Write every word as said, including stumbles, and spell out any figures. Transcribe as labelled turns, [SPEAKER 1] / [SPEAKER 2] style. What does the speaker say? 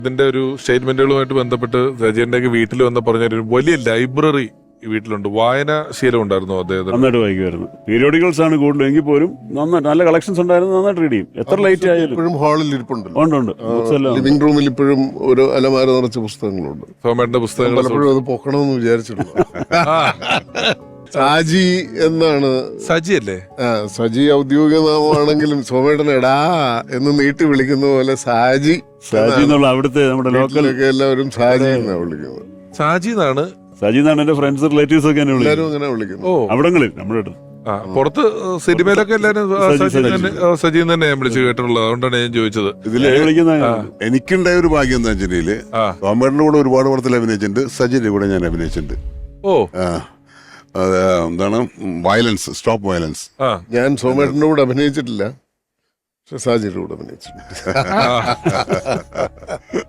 [SPEAKER 1] ഇതിന്റെ ഒരു സ്റ്റേറ്റ്മെന്റുകളുമായിട്ട് ബന്ധപ്പെട്ട് സജീന്റെ വീട്ടിൽ വന്ന് പറഞ്ഞൊരു വലിയ ലൈബ്രറി വീട്ടിലുണ്ട്. വായനാശീലം ഉണ്ടായിരുന്നു അദ്ദേഹത്തിന്.
[SPEAKER 2] നന്നായിട്ട് വായിക്കുമായിരുന്നു. പീരിയോഡിക്കൽസ് ആണ് കൂടുതൽ, എങ്കിൽ പോലും നന്നായിട്ട് നല്ല കളക്ഷൻസ് ഉണ്ടായിരുന്നു. നന്നായിട്ട് റീഡ് ചെയ്യും. എത്ര ലൈറ്റ് ആയാലും.
[SPEAKER 3] ഇപ്പോഴും ഹാളിൽ ഇരിപ്പുണ്ടല്ലോ.
[SPEAKER 2] ഉണ്ട് ഉണ്ട് ബുക്സ് എല്ലാം.
[SPEAKER 3] ലിവിംഗ് റൂമിൽ ഇപ്പോഴും ഒരു അലമാര നിറച്ച പുസ്തകങ്ങളുണ്ട്.
[SPEAKER 1] സോമേട്ടന്റെ പുസ്തകങ്ങൾ
[SPEAKER 3] പലപ്പോഴും അത് പൊക്കണമെന്ന് വിചാരിച്ചിട്ടുണ്ട്. സാജി എന്നാണ്.
[SPEAKER 1] സജി അല്ലേ?
[SPEAKER 3] ആ, സജി ഔദ്യോഗിക നാമമാണെങ്കിലും സോമേട്ടൻ എടാ എന്ന് നീട്ടി വിളിക്കുന്ന പോലെ സാജി
[SPEAKER 2] സാജി എന്നുള്ള അവിടുത്തെ നമ്മുടെ ലോക്കൽ
[SPEAKER 3] എല്ലാവരും സാജി എന്നാണ് വിളിക്കുന്നത്.
[SPEAKER 1] സാജി എന്നാണ്.
[SPEAKER 2] സാജി എന്നാണ് എന്റെ ഫ്രണ്ട്സ് റിലേറ്റീവ്സ് ഒക്കെ എന്നെ
[SPEAKER 3] എല്ലാവരും
[SPEAKER 2] വിളിക്കുന്നത്.
[SPEAKER 3] അങ്ങനെ വിളിക്കുന്നു.
[SPEAKER 1] ഓ,
[SPEAKER 2] അവിടങ്ങളിൽ നമ്മുടെ അടുത്ത്.
[SPEAKER 1] ആ, പുറത്ത് സിനിമയിലൊക്കെ എല്ലാരും
[SPEAKER 2] സജി,
[SPEAKER 1] സജി
[SPEAKER 2] സജി.
[SPEAKER 1] തന്നെ സജി തന്നെ ഞാൻ വിളിച്ച് കേട്ടിട്ടുള്ളത്. അതുകൊണ്ടാണ് ഞാൻ ചോദിച്ചത്.
[SPEAKER 4] ഇതില്
[SPEAKER 2] എന്നെ വിളിക്കുന്ന
[SPEAKER 4] എനിക്കുണ്ടായ ഒരു ഭാഗ്യം എന്താ വെച്ചിട്ടുണ്ടെങ്കില്
[SPEAKER 1] ആ.
[SPEAKER 4] സോമേട്ടന്റെ കൂടെ ഒരുപാട് പടത്തിൽ അഭിനയിച്ചിട്ടുണ്ട്. സജിന്റെ കൂടെ ഞാൻ അഭിനയിച്ചിട്ടുണ്ട്.
[SPEAKER 1] ഓ,
[SPEAKER 4] ആ, അത് എന്താണ് വയലൻസ്, സ്റ്റോപ്പ് വയലൻസ്.
[SPEAKER 1] ആ,
[SPEAKER 3] ഞാൻ സോമേട്ടന്റെ കൂടെ അഭിനയിച്ചിട്ടില്ല, പക്ഷെ സാജിയുടെ കൂടെ അഭിനയിച്ചിട്ടുണ്ട്.